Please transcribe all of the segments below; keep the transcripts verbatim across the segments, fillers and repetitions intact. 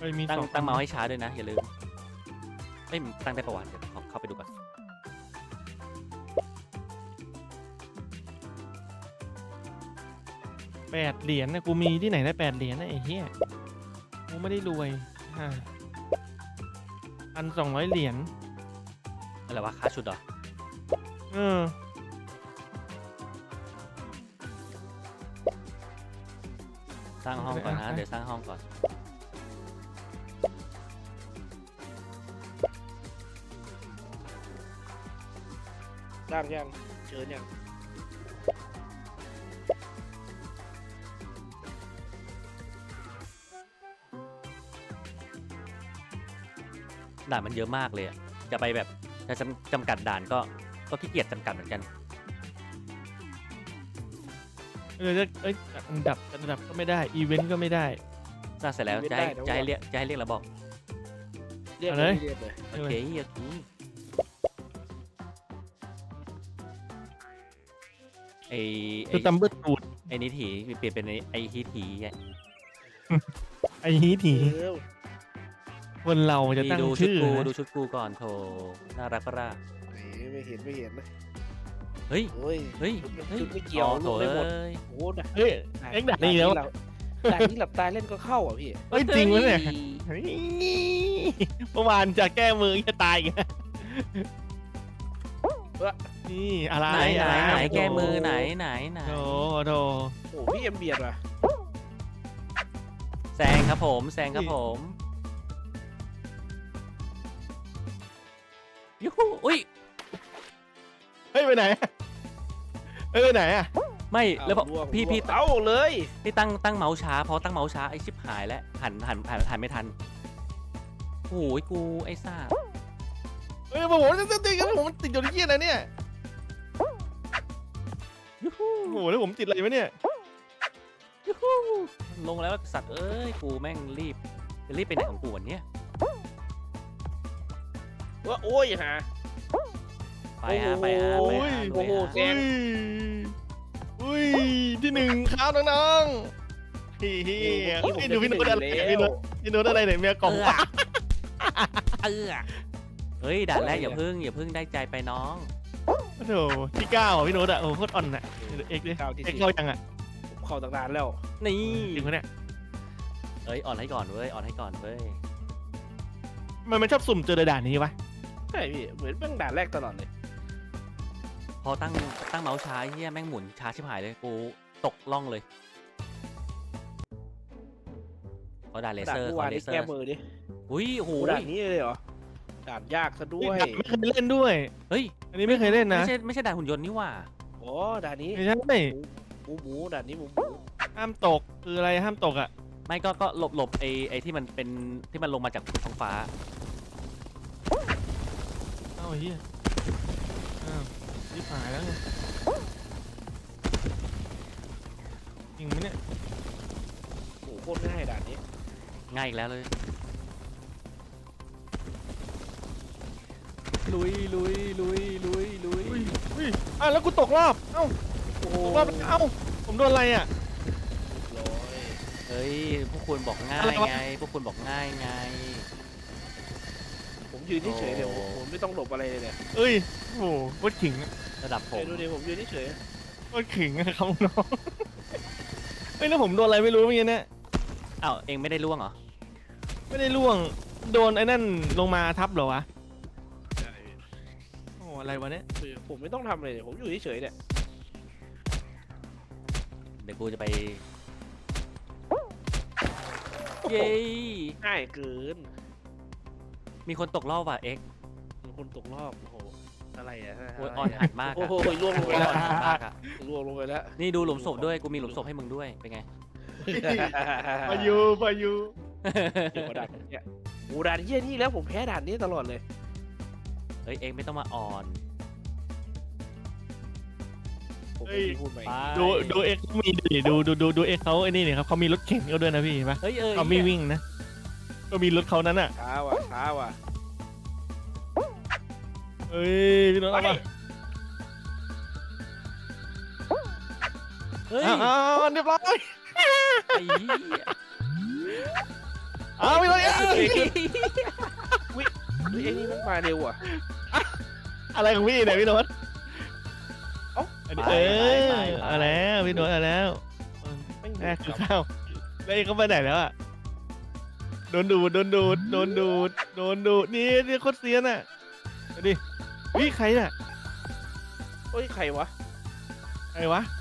ตั้งตั้งเมาส์ให้ช้าด้วยนะอย่าลืมไม่ตั้งได้ประวัติเดี๋ยวขอเข้าไปดูก่อนแปดเหรียญนะกูมีที่ไหนได้แปดเหรียญนะไอ้เหี้ยกูไม่ได้รวยฮ่าพันสองร้อยเหรียญอะไรวะค่าชุดเหรอเออสร้างห้องก่อนนะเดี๋ยวสร้างห้องก่อนร่างยังเชิญยังด่านมันเยอะมากเลยอะจะไปแบบจะจำจำกัดด่านก็ก็ขี้เกียจจำกัดเหมือนกันเออจะเอ้ยอันดับอันดับก็ไม่ได้อีเวนต์ก็ไม่ได้สร้างเสร็จแล้วจะให้จะให้เรียกจะให้เรียกเราบอกเรียกเอาเลเลย ยเรียกเลยโอเคโอเคไอไอคือตัมเบิลตูดไอนิถีเปลี่ยนเป็นไอไอฮีถีไงไอ้ฮีถีเออคนเราจะตั้งดูชุดชื่อกูนะดูชุดกูก่อนโถน่ารักปะล่ะไหนไม่เห็นไม่เห็นนะเฮ้ยโอ้ยเฮ้ยชุดเฮ้ยชุดไม่เกี่ยวอ๋อโถลูกได้หมดเอ้ยโอ้โหด่าเฮ้ย เอ็งด่านี่แล้วด่านนี้หลับตาเล่นก็เข้าอ่ะพี่เฮ้ยจริงวะเนี่ยเฮ้ยเมื่อวานจะแก้มือจะตายอีกแล้วนี่อะไรไหนไหนอะไหนรแก้มือไหนไหนไหนโถโถโอ้พี่เอ็มเบียดว่ะแซงครับผมแซงครับผมยูฮูอุ้ยเฮ้ยไปไหนเฮ้ยไปไหนอะไม่แล้วบอกเอาร่วงพี่ร่วงพี่เต้าเลยพี่ตั้งตั้งเมาส์ช้าเพราะตั้งเมาส์ช้าไอชิบหายแล้วหันหันหันหันไม่ทันโอ้ยกูไอ้ซ่าเฮ้ยผมจะติดกันผมติดอยู่ที่เหี้ยนะเนี่ยยูฮูโอ้โหแล้วผมติดอะไรวะเนี่ยยูฮูลงแล้วสัตว์เอ้ยกูแม่งรีบจะรีบไปไหนของกูวันเนี้ยว่าโอ้ยฮะไปฮะไปฮะโอ้ไปโหฮะโอ้โหลุยฮะแซอุ้ยอุ้ยที่หนึ่งครับน้องๆเฮ้ยเฮ้ยเฮ้ยดูพี่โน้ตอะไรเนี่ยพี่โน้ตพี่โน้ตอะไรเนี่ยเมียกล่องเออเออเฮ้ยด่านแรกอย่าพึ่งอย่าพึ่งได้ใจไปน้องโอ้โหที่เก้าอ่ะพี่โน้ตอ่ะโอ้โหโคตรอ่อนอ่ะเอ็กซ์ดิเก้าที่เอ็กสิซ์บเข้ายังอ่ะผมเข้าตั้งนานแล้วนี่จริงปะเนี่ยเอ้ยอ่อนให้ก่อนเว้ยอ่อนให้ก่อนเว้ยมันมันชอบสุ่มเจอด่านนี้วะใช่พี่เหมือนเพิ่งด่านแรกตลอดเลยพอตั้งตั้งเมาส์ช้าเฮียแม่งหมุนช้าชิบหายเลยกูตกล่องเลยขอด่านเลด่านเซอร์เมื่อขอวานเลนี่เซอแก้ร์มือดิอุ้ยโอ้โหโอ้ด่านนี้เลยเหรอด่านยากซะด้วยไม่เคยเล่นด้วยเฮ้ยอันนี้ไม่เคยเล่นนะไม่ใช่ไม่ใช่ด่านหุ่นยนต์นี่หว่าโอ้ด่านนี้ไม่ใช่หมูหมูด่านนี้หมูหมูห้ามตกคืออะไรห้ามตกอ่ะไม่ก็ก็หลบหลบไอไอที่มันเป็นที่มันลงมาจากท้องฟ้าเอ้าเฮียอ้าวรีบหายแล้วไงจริงไหมเนี่ยโอ้โหโคตรง่ายด่านนี้ง่ายอีกแล้วเลยลุยลุยลุยลุยลุยอุ้ยอุ้ยอ่ะแล้วกูตกรอบเอ้าโอ้ตกรอบเอ้าผมโดนอะไรอ่ะร้อยเฮ้ยพวกคุณบอกง่าอะไรยวะไงพวกคุณบอกง่ายไงผมยืนเฉยๆเดี๋ยวผมผมไม่ต้องหลบอะไรเลยเนี่ยเอ้ยโอ้โหโคตรขิงอะระดับผมเดี๋ยวดูดิผมยืนเฉยโคตรขิงอะครับน้องเฮ้ยแล้วผมโดนอะไรไม่รู้เมื่อกี้เนี่ยอ้าวเองไม่ได้ล่วงเหรอไม่ได้ล่วงโดนไอ้นั่นลงมาทับเหรอวะๆโอ้โหอะไรวะเนี่ยคือผมไม่ต้องทำอะไรเลยผมอยู่เฉยๆเนี่ยเดี๋ยวกูจะไปเย้ง่ายเกินมีคนตกรอบว่ะเอ็กมีคนตกรอบโอ้โหอะไรอะโอ้ยอ่อนหัดมากโอ้อะโหล่วงลงไปอ่แล้วอนหัดมากอะล่วงลงไปแล้วนี่ดูหลุมศพด้วยกูมีหลุมศพให้มึงด้วยเป็นไงพายุพายุเดี๋ยวด่านเนี่ยโอ้ด่านเยี่ยนี่แล้วผมแพ้ด่านนี้ตลอดเลยเฮ้ยเองไม่ต้องมาอ่อนผมไม่ได้พูดไปไปดูดูเอ็กซ์มีดิดูดูดูดูเอ็กซ์เขาไอ้นี่เนี่ยครับเขามีรถเข็นเขาด้วยนะพี่เห็นปะเฮ้ยเออเขาไม่วิ่งนะก็มีรถเขานั้นอ่ะช้าว่ะช้าว่ะเฮ้ยพี่โน้ตเอามาเฮ้ยอ้าวอ้าวเรียบร้อยไอ้เหี้ยอ้าวพี่โน้ตเอ้ยเฮ้ยเฮ้ยไอ้นี่มันมาเร็วอ่ะอะไรของพี่เนี่ยพี่โน้ตเอ้าอันนี้เออเอาแล้วพี่โน้ตเอาแล้วไม่งแรกคือข้าวแล้วเองเขาไปไหนแล้วอ่ะโดนดูดโดนดูดโดนดูดโดนดูดนี่นี่โคตรเซียนอ่ะไปดิวิใครน่ะเฮ้ยใครวะใครวะ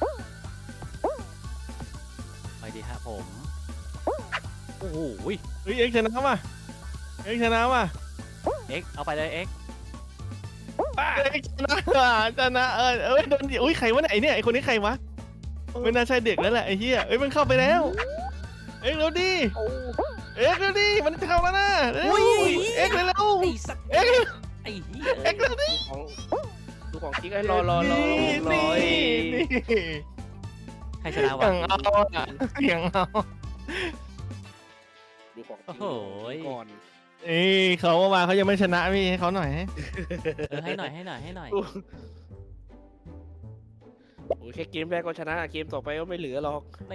ไปดีฮะผมโอ้โหเฮ้ยเอ็กซ์ชนะว่ะเอ็กซ์ชนะว่ะเอ็กเอาไปเลยเอ็กเอ็กซ์ชนะว่ะชนะเออเอ้ยโดนดิอุ้ยใครวะเนี่ยไอเนี่ยไอคนนี้ใครวะไม่น่าใช่เด็กแล้วแหละไอเหี้ยเอ้ยมันเข้าไปแล้วเอ็กซ์เร็วดิโอ้เอ็กซ์เร็วดิมันเข้าแล้วนะเร็วเอ็กซ์เร็วไอ้สัตว์เอ็กซ์ไอ้เหี้ยเอ็กซ์เร็วดิของดูของจริงไอ้รอรอรอนี่รอนี่นี่ใครชนะอวะย่างเอาอ่ะอย่างเอาดูของจริงโอ้โหก่อนเอ้ยเขาเมื่อวานเขายังไม่ชนะพี่ให้เขาหน่อยเออให้หน่อยให้หน่อยให้หน่อยโอ้ยแค่เกมแรกก็ชนะเกมต่อไปก็ไม่เหลือหรอกนี่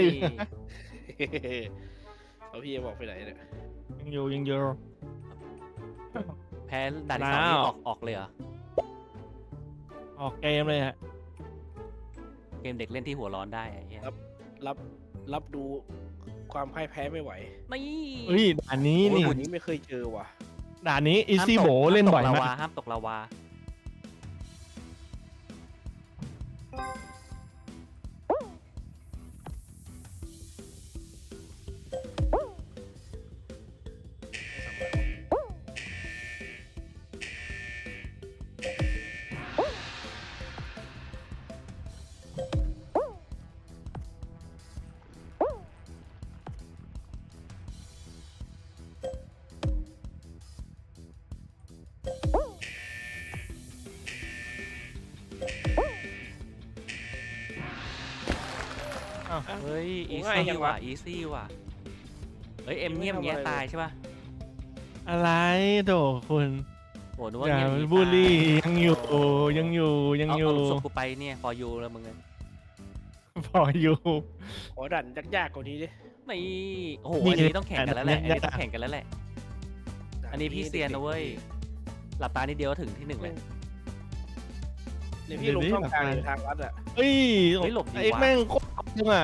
เอาพี่บอกไปไหนเนี่ยยังอยู่ยังอยู่แพ้ด่านที่สองนี่แล้วออกออกเลยเหรอออกเกมเลยฮะเกมเด็กเล่นที่หัวร้อนได้ไอ้เหี้ยรับรับดูความพ่ายแพ้ไม่ไหวนี่เฮ้ยด่านนี้โอ้ยนี่วันนี้ไม่เคยเจอว่ะด่านนี้อีห้ามซี่ตกโบเล่นบ่อยห้ามตกมาลาก วาห้ามตกลาวาอ้าวเฮ้ยอีง่ายซี่จังว่ะวะอีซี่ว่ะเฮ้ยเอ็มเงียบเงี้ยตายใช่ป่ะอะไรโถคุณโหนึกว่าอย่าเงียบอย่างงี้บูลลี่ตายยังอยู่ยังอยู่ยังเอาอยู่เอาลูกศพกูไปเนี่ยพอยูแล้วมึงเนี่ยพออยู่ขอดันยากๆกว่านี้ดินี่โอ้โหนี่อันนี้ต้องแข่งกันแล้วแหละอันเนี่ยนี้ต้องแข่งกันแล้วแหละ อันนี้พี่เซียนนะเว้ย หลับตานิดเดียวก็ถึงที่หนึ่งเลยเดี๋ยวพี่ลงช่องทางหรือทางลัดอะเฮ้ยเฮ้ยหลบดีไอ้วะแม่งโคตรจังอ่ะ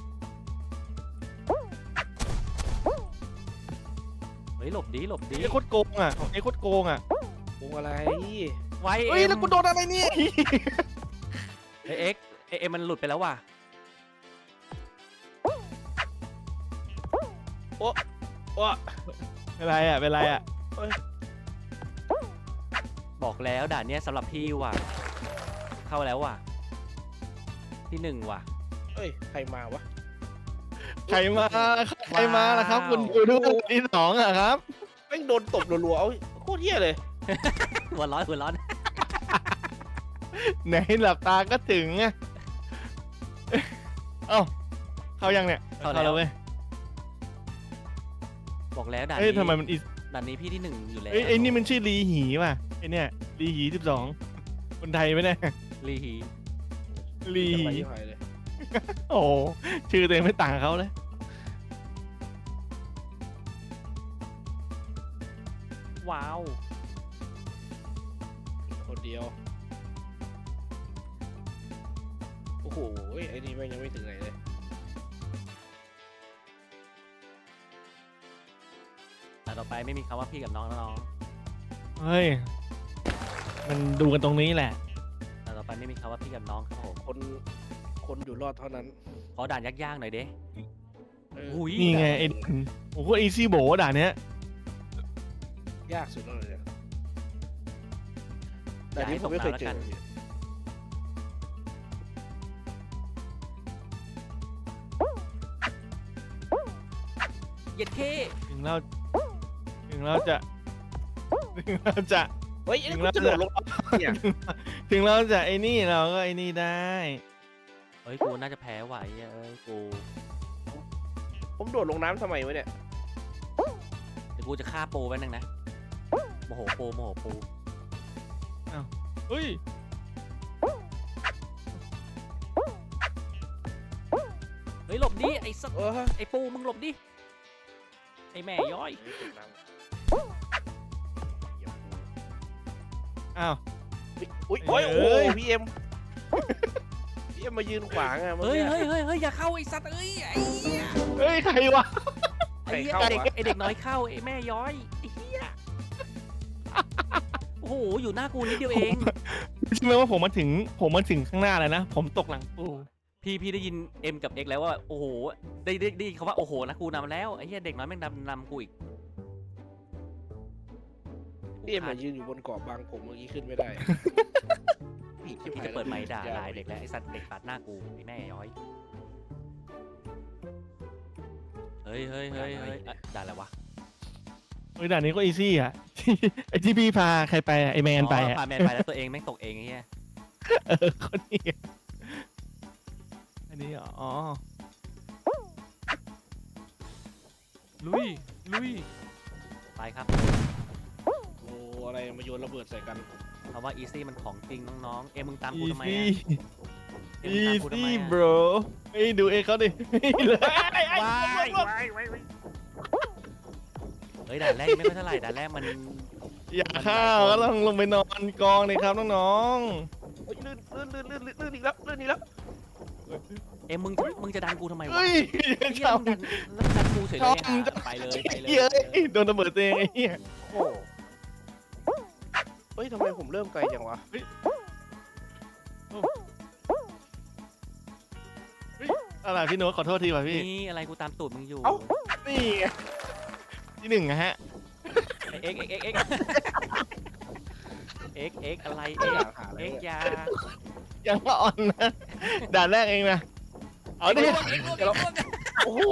เฮ้ยหลบดีหลบดีไอ้โคตรโกงอ่ะไอ้โคตรโกงอ่ะวงอะไรไว้เฮ้ยเอ็มแล้วกูโดนอะไรเนี่ยเฮ้ยเอ็กเอ็มมันหลุดไปแล้วว่ะว้าเป็นไรอ่ะเป็นไรอ่ะบอกแล้วด่านเนี้ยสำหรับพี่ว่ะ เข้าแล้วว่ะ ที่หนึ่งว่ะเอ้ยใครมาวะใครมาใครมาล่ะครับ คุณดูด้วยที่สองอ่ะครับแม่งโดนตบรัวๆเอาโคตรเหี้ยเลยหัวร้อนหัวร้อนไหนหลับตาก็ถึงอ่ะเอ้าเข้ายังเนี่ยเข้าแล้วเว้ยบอกแล้วด่านเอ้ยนี้ทำไมมันอีด่านนี้พี่ที่หนึ่งอยู่แล้วเอ้ยไอ้นี่มันชื่อลีหีป่ะไอ้เนี่ยลีหีสิบสองคนไทยไหมเนี่ยลีฮีลีจังหีไรยี่ห้อเลยโอ้โหชื่อตัวเองไม่ต่างกับเขาเลยว้าวคนเดียวโอ้โหไอ้นี่แม่งยังไม่ถึงไหนเลยแต่ต่อไปไม่มีคำว่าพี่กับน้องแล้วน้องเฮ้ยมันดูกันตรงนี้แหละแต่ต่อไปไม่มีคำว่าพี่กับน้องครับผมคนคนอยู่รอดเท่านั้นขอด่านยากๆหน่อยเด้เอออุ้ยนี่ไงไอ้โอ้โหอีซี่โบด่านเนี้ยยากสุดแล้วเลยเนี่ยอแต่ย่านี้ให้ผตมกไม่เคยน้ำแล้วเจกัอนเย็ดเคถึงเราถึงเราจะถึงเราจะเฮ้ยไอ้นี่กูจะโดดลงเนี่ยถึงเราจะไอ้นี่เราก็ไอ้นี่ได้เฮ้ยกูน่าจะแพ้ไหวเอ้ยกูผมโดดลงน้ำทำไมวะเนี่ยเดี๋ยวกูจะฆ่าโปไว้นึงนะโมโหโปโมโหโปเฮ้ยเฮ้ยหลบดิไอ้สัสเออไอ้ปูมึงหลบดิไอ้แม่ย้อยอ้าวอุ้ยโอ้ยโอ้เอ้ยพี่เอ็มพี่เอ็มมายืนขวางอะเฮ้ยเฮ้ยเฮ้ยเฮ้ยอย่าเข้าไอ้สัตว์เอ้ยไอ้เหี้ยเฮ้ยใครวะไอ้เหี้ยไอ้เด็กไอ้เด็กน้อยเข้าไอ้แม่ย้อยไอ้เหี้ยโอ้โหอยู่หน้ากูนิดเดียวเองใช่ไหมว่าผมมาถึงผมมาถึงข้างหน้าแล้วนะผมตกหลังปูพี่พี่ได้ยิน M กับ X แล้วว่าโอ้โหได้ได้ได้ยินคำว่าโอ้โหนะกูนำแล้วไอ้เหี้ยเด็กน้อยแม่งนำนำกูอีกพี่เอ็มมายืนอยู่บนเกาะบางผมเมื่อกี้ขึ้นไม่ได้พี่จะเปิดไมค์ด่าลายเด็กแล้วไอ้สัตว์เด็กตัดหน้ากูไอ้แม่ย้อยเฮ้ยเฮ้ยเฮ้ยเฮ้ยอ่ะด่าอะไรวะเฮ้ยด่านนี้ก็อีซี่อ่ะ ไอที่พี่พาใครไปอะไอแมนไปอ๋ออะพาแมนไปแล้วตัวเองแม่งตกเองไอ้เหี้ยเออคนนี้อันนี้เหรออ๋อลุยลุยไปครับโอ้อะไรมาโยนระเบิดใส่กันเพราะว่า easy มันของจริงน้องๆเอ็มมึงตามอีกูทำไมซี่อะเอ็มอีมึงตามกูทำไมซี่อะ bro เฮ้ยดูเอเขาดิเลยว้ายเฮ้ยด่านแรกไม่ค่อยเท่าไหร่ด่านแรกมันอยากข้าวก็ต้องลงไปนอนกองเลยครับน้องโอ้ยลื่นลื่นลื่นลื่นลื่นอีกแล้วลื่นอีกแล้วเอ็มมึงจะมึงจะดันกูทำไมๆวะเฮ้ยไอ้เหี้ยชอบมึงดันแล้วดันกูเฉยเลยชอบอ่ะไปเลยไปเลยเฮ้ยโดนระเบิดตัวเองไอ้เหี้ยโอ้เฮ้ยทำไมผมเริ่มไกลจังวะอะไรพี่โน้ตขอโทษทีว่ะพี่นี่อะไรกูตามตูดมึงอยู่นี่ไงที่หนึ่งอะฮะเอ็กเอ็กเอ็กเอ็กเอ็กเอ็กอะไรไม่เอ็อก ยากหาอะไรเอ็กเลยยายังก็อ่อนนะด่านแรกเองนะเอาดิเอ็กลวกเอ็กลวกโอ้โห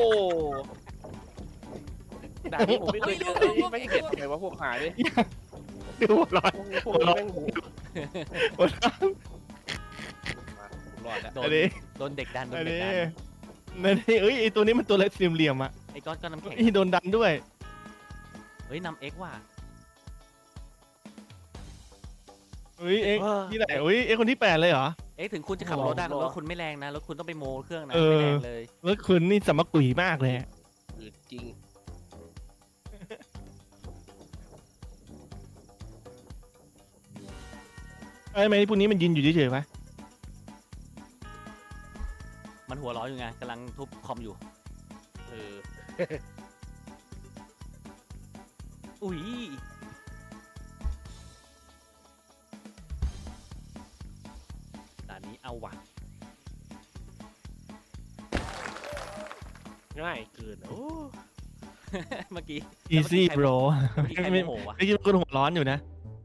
ด่านนี้ผมไม่เคยเจอเลยไม่เห็นเลยว่าพวกหายเลยดูหัวเร้อนพวกนี้พวกนี้แม่งหูหัวเร้อนมาผมรอดแล้วโดอันนนี้โดนเด็กดันโดอันนเด็กนี้ดันอันนี้เอ้ยไอตัวนี้มันตัวเล็กสี่เหลี่ยมๆอ่ะไอ้ก้อนก้อนน้ำแข็งไอ้โดนดันด้วยเฮ้ยนำเอ็กว่ะเฮ้ยเอ็กที่ไหนเฮ้ยเอ็กคนที่แปดเลยเหรอเอ็กถึงคุณจะขับรถได้รถคุณไม่แรงนะรถคุณต้องไปโมเครื่องนะเออไม่แรงเลยแล้วคุณนี่สมกุยมากเลยอะอืดจริงไอ้ยทำไมพวกนี้มันยืนอยู่เฉยๆวะมันหัวเร้อนอยู่ไงกำลังทุบคอมอยู่เอออุ้ยด่านนี้เอาว่ะง่ายเกินโอ้เมื่อกี้อีซี่โบรเมื่อกี้ใครไม่โมโหวะไม่คิดว่าคนหัวร้อนอยู่นะ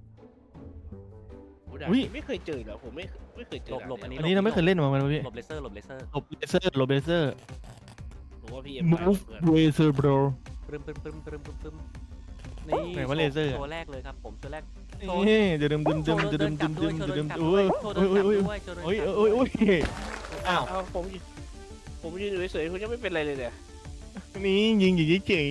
โหด่านอุ๊ยนี้ไม่เคยเจอเหรอผมไม่ไม่เคยเจอหลบหลบอันนี้อันนี้เราไม่เคยเล่นมาเหมือนกันนะพี่หลบเลเซอร์หลบเลเซอร์หลบเลเซอร์หลบเลเซอร์ผมว่าพี่เอ็ม move เพื่อน laser bro ปรึมปรึมปรึมปรึมปรึมปรึมนี่ไหนว่าเลเซอร์อะตัวแรกเลยครับผมตัวแรกนี่เดี๋ยวดึมดึมโชดึมว์ดึเดิมนดึกลัมบ ด้วยดึมดึมโชว์ดึเดิมนกลับอุ้ด้วย ยโชว์เดินกลับโอ้ยด้วยโชว์เดินกลับโอ้ยโอ้ยโอ้ยอ้าวเอาผมยืนผมยืนอยู่เฉยๆคุณยังไม่เป็นไรเลยเนี่ยนี่ยิงอยู่เฉย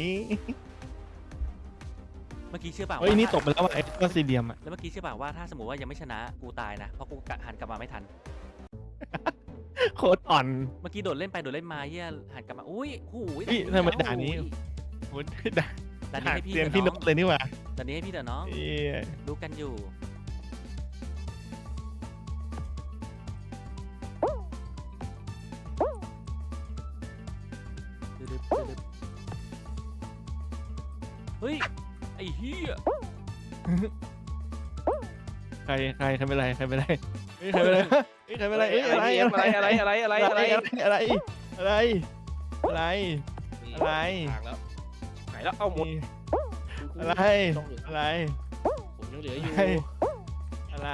เมื่อกี้เชื่อเปล่าๆเฮ้ยว่านี่ตกไปแล้วว่ะไอ้ก้อนสี่เหลี่ยมอ่ะแล้วเมื่อกี้เชื่อเปล่าว่าถ้าสมมติว่ายังไม่ชนะกูตายนะเพราะกูกะหันกลับมาไม่ทันโคตรอ่อนเมื่อกี้โดดเล่นไปโดดเล่นมาเฮียหันกลับมาอุ้ยหูยเฮ้ยทำไมด่านนี้ โอ้ยด่าด่านนี้ให้พี่เตรียมเถพี่อะนน้อก งเลยนี่หว่าด่านนี้ให้พี่เถอะน้องเอ้ยรู้กันอยู่ดึบๆดึบๆเฮ้ยไอ้เฮียใครใครใครเป็นไรใครเป็นไรเฮ้ยใครเป็นไรเฮ้ยใครเป็นไรเอ้ยอะไรอะไรอะไรอะไรอะไรอะไรอะไรอะไรอะไรอะไร อะไรทางแล้วหายแล้วเอาหมดอะไรอะไรผมยังเหลืออยู่อะไร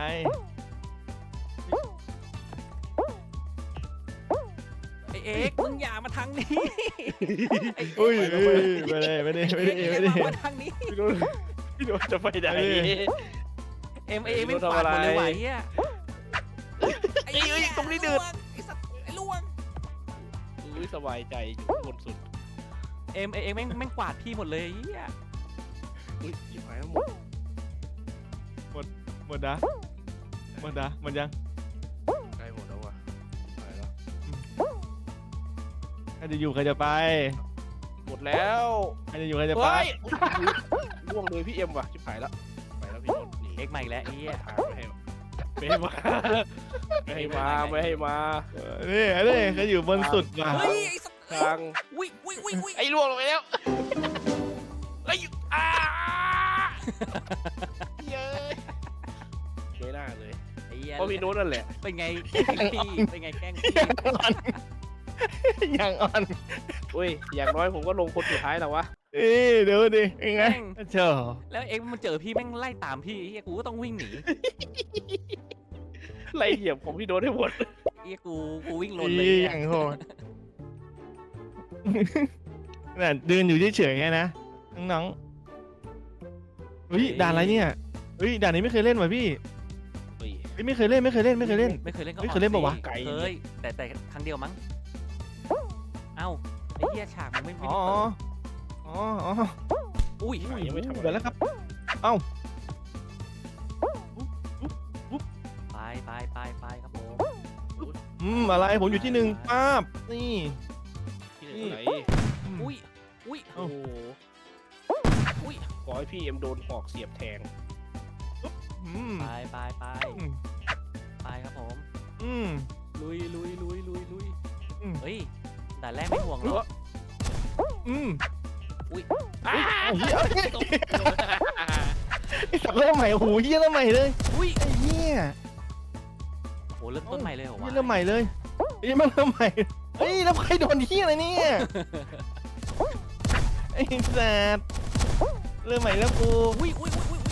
ไอเอ็กซ์มึงอย่ามาทางนี้ไอ้อุ้ยเอ็กซ์อุ้ยไม่ได้ไม่ได้ไม่ได้เอ็กซ์ไม่อย่าได้มาทางนี้พี่โดนพี่โดนจะไปไหนเอ็มเอ็มไม่ปาดหมดเลยไหวเฮียไอ้เอ้ยตรงนี้เดือดไอ้สัตว์ไอ้ล่วงอุ้ยสบายใจอยู่บนสุดเอ็มเอ็มแม่งแม่งกวาดพี่หมดเลยเฮียอุ้ยหายหมดหมดนะหมดนะหมดยังใกล้หมดแล้วว่ะหายแล้วใครจะอยู่ใครจะไปหมดแล้วรจะอยู่ใครจะไปเฮ้ยล่วงเลยพี่เอ็มว่ะชิบหายแล้วไปแล้วพี่โน้ตหนีเอ็กซ์มาอีกแล้วไอ้เหี้ยไม่ให้มาไม่ให้มาไม่ให้มาเออนี่นี่เขาอยู่บนสุดว่ะเฮ้ยไอ้สัตว์ทางอุ้ยอุ้ยอุ้ยอุ้ยไอ้ล่วงลงไปแล้วไอ้อ้าเย้ยไม่น่าเลยไอ้เหี้ยเพราะพี่โน้ตนั่นแหละเป็นไงแกล้งพี่เป็นไงแกล้งพี่ยังอ่อนอุ้ยอย่างน้อยผมก็ลงคนสุดท้ายแล้ววะเอ้ยเดี๋ยวดิยังไงเจ้าแล้วเอ็กซ์มันเจอพี่แม่งไล่ตามพี่ไอ้เหี้ยกูก็ต้องวิ่งหนีไล่เหยียบของพี่โน้ตให้หมดไอ้เหี้ยกูกูวิ่งลนเลยอีเนี่อย ย่างโหดน่ะเดินอยู่เฉยๆแค่นะน้องๆเฮ้ยด่านอะไรเนี่ยเฮ้ยด่านนี้ไม่เคยเล่นว่ะพี่เฮ้ยเฮ้ยไม่เคยเล่นไม่เคยเล่นไม่เคยเล่นไม่เคยเล่นก็เฮ้ยเคยเล่นปะวะเคยแต่แต่ครั้งเดียวมั้งเอ้าไอ้เหี้ยฉากมันไม่ไม่อ๋อได้เปิดอ๋ออ๋ออุ้ยอุ้ยยังไม่ทำอะไรเดี๋ยวแล้วครับ เอ้าไปไปไปไปครับผมอืมอะไรผมอยู่ที่หนึ่งป้าบนี่ที่ไหนอืมอุ้ยอุ้ยโอ้โหอุ้ยขอให้พี่เอ็มโดนหอกเสียบแทงอืมไปไปไปอืมไปครับผมอืมลุยลุยลุยลุยลุยอืมเฮ้ยด่านแรกไม่ห่วงหรอกอืมอ้าไอ้เหี้ยไอ้สัตว์เริ่มใหม่โอ้โหเหี้ยเริ่มใหม่เลยอุ้ยไอ้เหี้ยโหเริ่มต้นใหม่เลยเหรอเหี้วะยเริ่มใหม่เลยไอ้เหี้ยมันเริ่มใหม่เฮ้ยแล้วใครโดนเหี้ยอะไรเนี่ยไอ้สัตว์เริ่มใหม่แล้วกูอุ้ยอุ้ยอุ้ยอุ้ย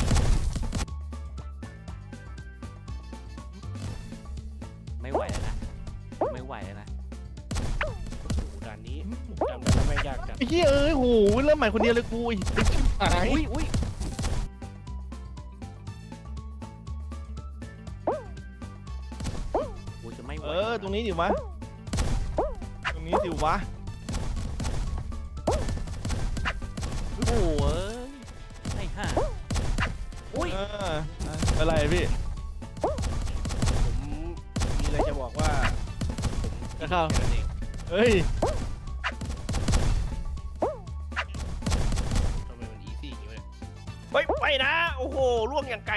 ไม่ไหวแล้วนะไม่ไหวแล้วนะด่านนี้จำได้แล้วแม่งยากจัดไอ้เหี้ยเอ้ยโหเริ่มใหม่คนเดียวเลยกูไอ้ชิบหายอุ้ยอุ้ยกูจะไม่ไหวเออตรงนี้ดิวะตรงนี้ดิวะโอ้โหเอ้ยไอ้ห่าอุ้ยเอออะไรพี่ผมมีอะไรจะบอกว่าจะเข้าแค่นั้นเองเฮ้ยทำไมมันอีซี่อย่างนี้วะเนี่ยเฮ้ยไปนะโอ้โหล่วงอย่างไกล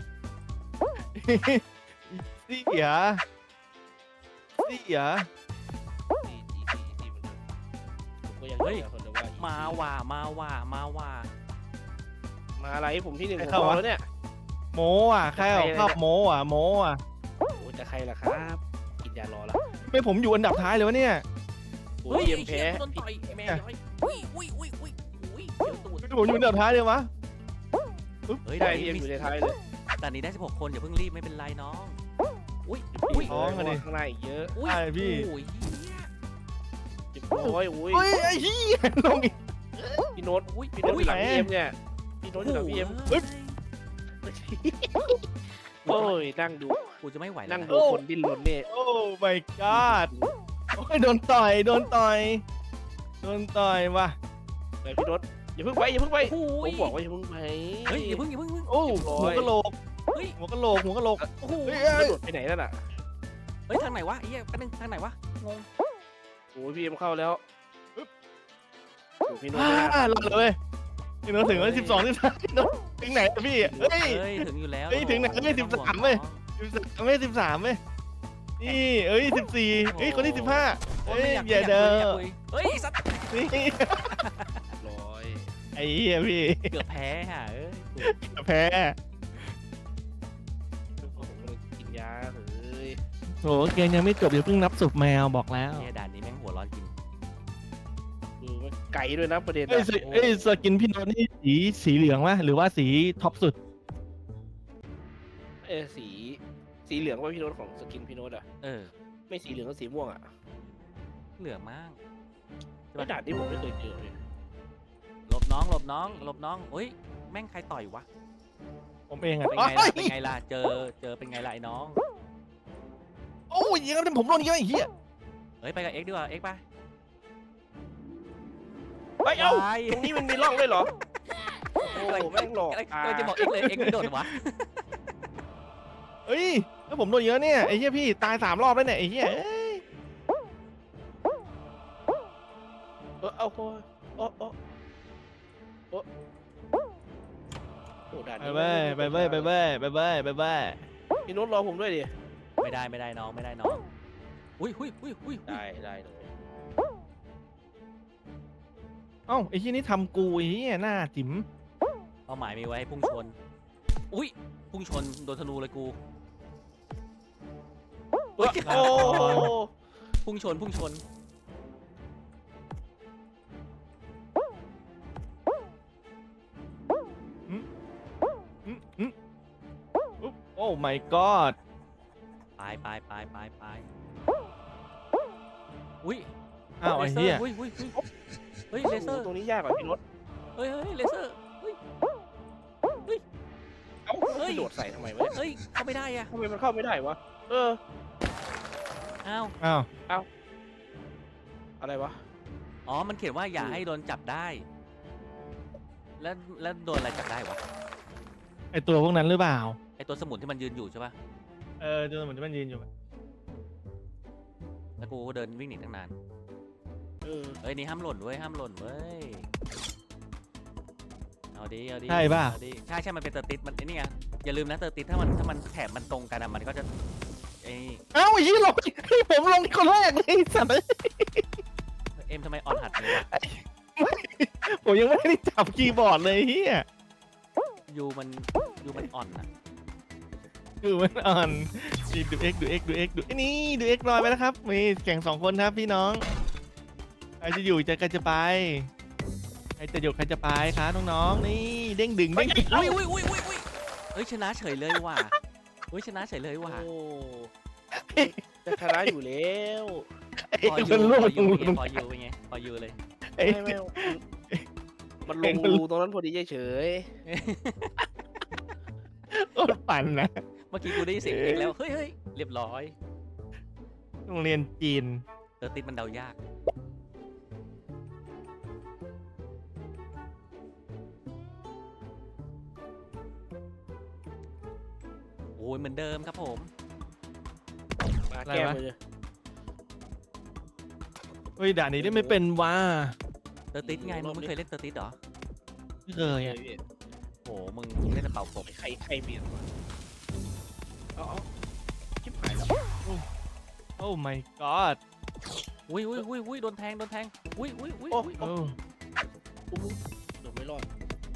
เสียเสียอีซี่อีซี่อีซี่เหมือนเดิมผมก็ยังเชื่อคนเดิมว่า easy มาว่ามาว่ามาว่ามาอะไรผมที่หนึ่งผมบอกแล้วเนี่ยโมอ่ะใครเอาภาพโมอ่ะโมอ่ะโอ้จะใครล่ะครับกินยารอละไม่ผมอยู่อันดับท้ายเลยวะเนี่ยโอ้เฮ้ยยเยี่ยมไอ้แพ้เหี้ยโดนต่อยไอ้แม่ย้อยอุ้ยอุ้ยอุ้ยอุ้ยอุ้ยเดี๋ยวตูดผมอยู่อันดับท้ายเลยวะเฮ้ยได้ด่านพี่นี้เอ็มมีอยู่ในท้ายเลยด่านนี้ได้สิบหกคนอย่าเพิ่งรีบไม่เป็นไรน้องอุ้ยอุ้ยท้องอะดิข้างหน้าอีกเยอะอุ้ยใช่พี่โอ้ยเหี้ยเจ็บร้อยอุ้ยเฮ้ยไอ้เหี้ยลงอีกพี่โน้ตอุ้ยพี่โน้ตอุ้อย ยู่หลังแหมพี่เอ็มเนี่ยพี่โน้ตอยู่หลังพี่เอ็มเฮ้ยโอ้ยนั่งดูกูจะไม่ไหวแล้วนั่งนะดูคนดิ้นรนเนี่ยโอ้ my god โอ้ยโดนต่อยโดนต่อยโดนต่อยว่ะไปพี่โน้ตอย่าเพิ่งไปอย่าเพิ่งไปโอ้ผยมบอกว่าอย่าเพิ่งไปเฮ้ยอย่าเพิ่งอย่าเพิ่งอย่าเพิ่งโอ้เรียบร้อยหัวกะโหลกเฮ้ยหัวกะโหลกหัวกะโหลกโอ้โหเฮ้ยกเอ้ระยโดดไปไหนนั่นน่ะเฮ้ยทางไหนวะไอ้เหี้ยแป๊บนึงทางไหนวะงงโอ้ยพี่เอ็มเข้าแล้วโอ้พี่โน้ตอ่าไม่น่าหลับเลยพี่โน้ตถึงแล้วสิบสองสิบสามถึงไหนอะพี่เฮ้ยเฮ้ยถึงอยู่แล้วเฮ้ยถึงไหนเฮ้ยสิบสามเว้ย สิบสามไม่สิบสามเว้ยนี่เอ้ยสิบสี่เฮ้ยคนที่สิบห้าโอ้เฮ้ยยไม่อยากอย่าเด้อไม่ยากคุยเฮ้ยไอ้สัตว์นี่ร้อยไอ้เหี้ยพี่เกือบแพ้ฮะเอ้ยแพ้ผมก็เลยกินยาเฮ้ยโหเกมยังไม่จบเดี๋ยวเพิ่งนับศพแมวบอกแล้วเฮียด่านนี้แม่งหัวร้อนจริงคือมันไก่ด้วยนะประเด็นเอ้ยอะสเอ้ยสกินพี่โน้ตนี่สีสีเหลืองวะหรือว่าสีท็อปสุดเอ้ยสีสีเหลืองว่าพี่โน้ตของสกินพี่โน้ตอะเออไม่สีเหลืองก็สีม่วงอะเหลืองมากไม่ด่านที่ผมไม่เคยเจอเลยหลบน้องหลบน้องหลบน้องเฮ้ยแม่งใครต่อยวะผมเองอะเป็นไงล่ะเป็นไงล่ะเจอเจอเป็นไงล่ะไอ้น้องโอ้ยยังไงผมโดนเยอะไอ้เหี้ยเฮ้ยไปกับเอ็กซ์ดีกว่าเอ็กซ์ไปเฮ้ยเอ้าไปตรงนี้มันมีร่องด้วยเหรอโอ้แม่งหลอกอะไรอ่าอะไรจะบอกเอ็กซ์เลยเอ็กซ์ไม่โดดวะเฮ้ยแล้วผมโดนเยอะเนี่ยไอ้เหี้ยพี่ตายสามรอบแล้วเนี่ยไอ้เหี้ยเอ้ยเออเอาโอ้ยโอ้โอ้โอ้ด่านไปนี้เว้ยไปเว้ยไปเว้ยไปเว้ยไปเว้ยพี่นุชรอผมด้วยดิไม่ได้ไม่ได้น้องไม่ได้น้องอุ้ยอุ้ยอุ้ยอุ้ยได้ได้เลยเอ้าไอ้ที่นี่ทำกูไอ้เหี้ยหน้าจิ๋มเป้าหมายมีไว้ให้พุ่งชนอุ้ยพุ่งชนโดนธนูเลยกูโอ้โอ้พุ่งชนพุ่งชนอืมอืมอุ๊บโอ้ my god ไปไปไปไปไปอุ้ยอ้าวไอ้เหี้ยอุ้ยอุ้ยอุ้ยเฮ้ยเลเซอร์ตรงนี้ยากกว่าพี่นุชเฮ้ยเฮ้ยเลเซอร์เฮ้ยเอ้าเฮ้ยพี่โดดใส่ทำไมวะเนี่ยเฮ้ยเข้าไม่ได้อะทำไมมันเข้าไม่ได้วะเอออ้าวอ้าวอะไรวะอ๋อมันเขียนว่าอย่าให้โดนจับได้ แล้วแล้วโดนอะไรจับได้วะไอตัวพวกนั้นหรือเปล่าไอตัวสมุนที่มันยืนอยู่ใช่ปะเออตัวเหมือนที่มันยืนอยู่แล้วกูเดินวิ่งหนีตั้งนานเออเฮ้ยนี่ห้ามหล่นเว้ยห้ามหล่นเว้ยเอาดิเอาดิใช่ป่ะเอาดิใช่ใช่มันเป็นเตอร์ติสมันไอ้นี่ไงอย่าลืมนะเตอร์ติสถ้ามันถ้ามันแถบมันตรงกันอะมันก็จะไอ้เอ้าไอ้ยี่ลงให้ผมลงคนแรกเลยไอ้สัตว์เอ็มทำไมอ่อนหัดเลยวะผมยังไม่ได้จับคีย์บอร์ดเลยเฮียยูมันยูมันอ่อนอะดูมันอ่อนนี่ดูเอ็กดูเอ็กดูเอ็กดูไอ้นี่ดูเอ็กลอยไปแล้วครับมีแข่งสองคนครับพี่น้องใครจะอยู่จะใครจะไปใครจะอยู่ใครจะไปคะน้องๆนี่เด้งดึงเด้งดึงอุ้ยอุ้ยอุ้ยอุ้ยอุ้ยเฮ้ยชนะเฉยเลยว่ะเฮ้ยชนะเฉยเลยว่ะโอ้จะชนะอยู่แล้วพอไอ้ยูมันพล่วอง ยูลงไงพอยูเป็นไงพอยูเลยไอ้ไม่ไม่มันลงรูตรงนั้นพอดีเฉยโคตรปั่นนะเมื่อกี้กูได้ยินเสียงเองแล้วเฮ้ยเฮ้ยเรียบร้อยโรงเรียนจีนเตอร์ติสมันเดายากโอ้ยเหมือนเดิมครับผมๆมาแก้มือเฮ้ยด่านนี้ได้ไม่เป็นว่าเตอร์ติสไงมึงไม่เคยเล่นเตอร์ติสเหรอไม่เคยอ่ะโอ้มึงเล่นแต่เป่ากบใครใครเบียดวะเอาเอาชิบหายแล้วโอ้ my god อุ้ยอุ้ยอุ้ยอุ้ยโดนแทงโดนแทงอุ้ยอุ้ยอุ้ยโอ้อุ้ยโอ้ปุ๊บเดี๋ยวไม่รอด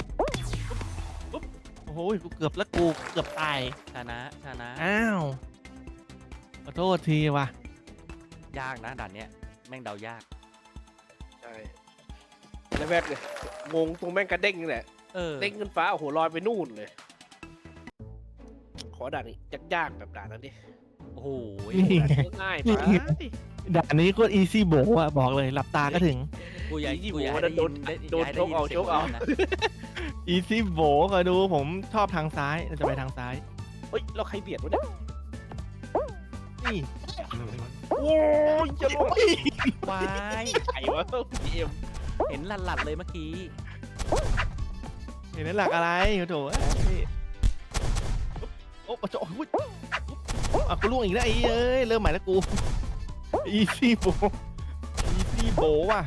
โอ้โหกูเกือบแล้วกูเกือบตายชนะชนะอ้าวขอโทษทีว่ะยากนะด่านเนี้ยแม่งเดายากใช่แล้วแม่งเลยงงตรงแม่งกระเด้งนี่แหละเออเด้งขึ้นฟ้าโอ้โหลอยไปนู่นเลย ขอด่านนี้ยากๆแบบด่านนั้นดิโอ้โหนี่ไงง่ายๆนี่ไปด่านนี้ก็อีซี่โบว่ะบอกเลยหลับตาก็ถึงกูอยากยี่กูอยากโหให้ได้โดยินนได้โดนยากให้ชกเอาได้ยินชกเอาสียงนะอีซี่โบก็ดูผมชอบทางซ้ายเราจะไปทางซ้ายเฮ้ยเราใครเบียดวะเนี่ยนี่โอ้ยจะลงวายไข่วะพีเอ็มเห็นหลัดๆเลยเมื่อกี้เห็นนั้นหลักอะไรโอ้โถเอ้ยโอ้โหโอ้ยอ่ะกูล่วงอีกแล้วไอ้เอ้ยเริ่มใหม่แล้วกูอีซี่โบอีซี่โบว่ะ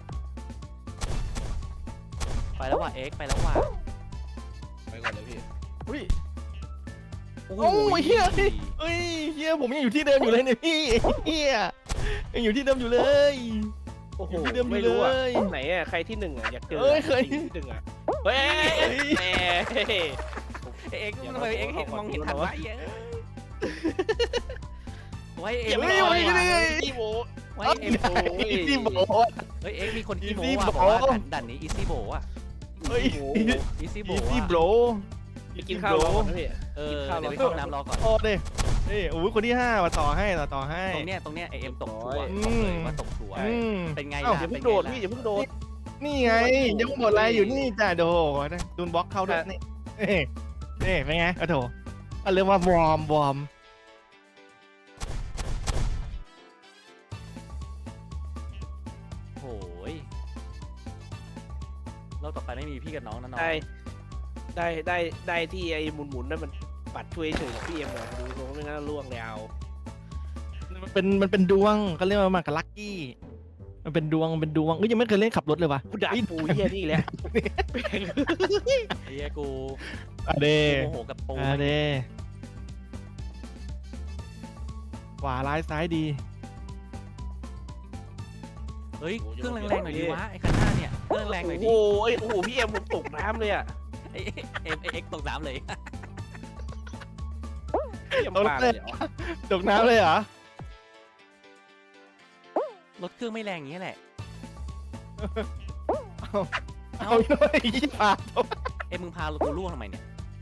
ไปแล้วว่ะเอ็กไปแล้วว่ะไปก่อนเลยพี่อุ้ยโอ้โอ้ยเฮีย เฮ้ยเฮียผมยังอยู่ที่เดิมอยู่เลยเนี่ยพี่เฮียยังอยู่ที่เดิมอยู่เลยโอ้โหอยู่ที่เดิมอยู่ไม่รู้อ่ะเลยไหนอ่ะใครที่หนึ่งอ่ะอยากเจอเอ้ยเคยใรที่หนึ่งอ่ะเฮ้ยแหมเอ็กอย่าทำไมมาเอ็กเห็นขอมองเห็นขอทันขอไว้เอ้ยไว้เอ็อย่าม ไม่รไหวอว่ะพี่โบไว้เอ็มโอ้ยอีซี่โบเฮ้ยเอ็กมีคนขี้โม้ Easy ว่ะ Bro บอกว่าด่านด่านนี้อีซี่โบอ่ะเฮ้ยอีซี่โบอีซี่อ่ะโบไปกินข้าวรอก่อนนะพี่เออกินข้าวเดี๋ยวไปรอเข้าน้ำรอก่อนโอ้เด้นี่โอ้ยคนที่ห้ามาต่อให้ต่อต่อให้ตรงเนี้ยตรงเนี้ยไอเอ็มตกชัวร์อืบอกมเลยว่าตกชัวร์อืมเป็นไงเอ้าล่ะอย่าเป็เพิ่นงโดไงดล่ะพี่อย่าเพิ่งโดดนี่ไงยังหมดอะไรอยู่นี่จ้าโดนะดูนบล็อกเข้าด้วยนี่นี่นี่เป็นไงโอ้โถก็เรียกว่าวอร์มวอร์มโอ้ยรอบต่อไปไม่มีพี่กับน้องนะน้องได้ได้ได้ได้ที่ไอ้หมุนหมุนๆนั่นมันปัดช่วยเฉยๆพี่เอ็มหน่อยดูตรงไม่งั้นล่วงแล้วมันเป็นมันเป็นดวงก็เรียกว่ามากับลัคกี้มันเป็นดวงมันเป็นดวงเอ้ยยังไม่เคยเล่นขับรถเลยวะกูด่าปูเฮียนี่แหละไอ้เหี้ยกูอะเดกูโมโหกับปูอะเดขวาร้ายซ้ายดีเฮ้ยเครื่องแรงๆหน่อยดิวะไอ้คันหน้าเนี่ยเครื่องแรงหน่อยดิโอ้โหโอ้โหพี่เอ็มผมตกน้ำเลยอ่ะไอ้เอ็มไอ้เอ็กตกน้ำเลยพี่เอ็มปาเลยเหรอตกน้ำเลยเหรอรถเครื่องไม่แรงอย่างนี้ยแหละเอาหน่อยยี่ปาเอ็มมึงพากูล่วงทำไมเนี่ย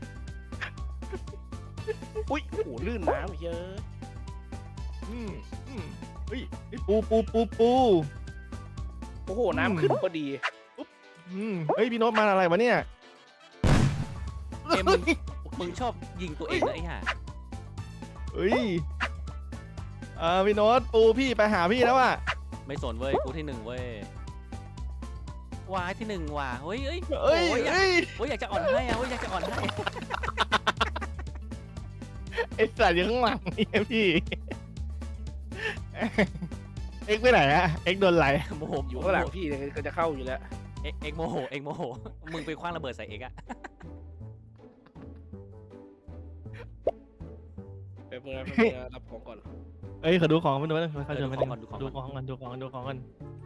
อุ้ยโอ้โหลื่นน้ำเยอะอืมอืมเฮ้ยเฮ้ยปูปูปูปูโอ้โหน้ำขึ้นพอดีอืมเฮ้ยพี่โน้ตมาอะไรวะเนี่ยเอ็มมึงมึงชอบยิงตัวเองนะไอ้ห่าเฮ้ยเออพี่โน้ตปูพี่ไปหาพี่แล้วอ่ะไม่สนเว้ยกูที่หนึ่งเว้ยว้ายที่หนึ่งว่ะเฮ้ยเฮ้ยเอ้ยโอ้ยอยากเอ้ยโอ้ยอยากจะอ่อนให้อะเฮ้ยอยากจะอ่อนให้ไอ้สัตว์อยู่ข้างหลังเนี่ยพี่ เอ็กไปไหนอะเอ็กโดนไหลโมโหอยู่ข้างหลังพี่เนี่ยก็จะเข้าอยู่แล้วเอ็กเอ็กโมโหเอ็กโมโหมึงไปคว้างระเบิดใส่เอ็กอะไปเมื่อไปเมื่อรับของก่อนเอ้ยขอดูของมันดูมันเขาเออเดิดูนมาของก่อนดูของดูก่อนของกันดูของกันดูของกัน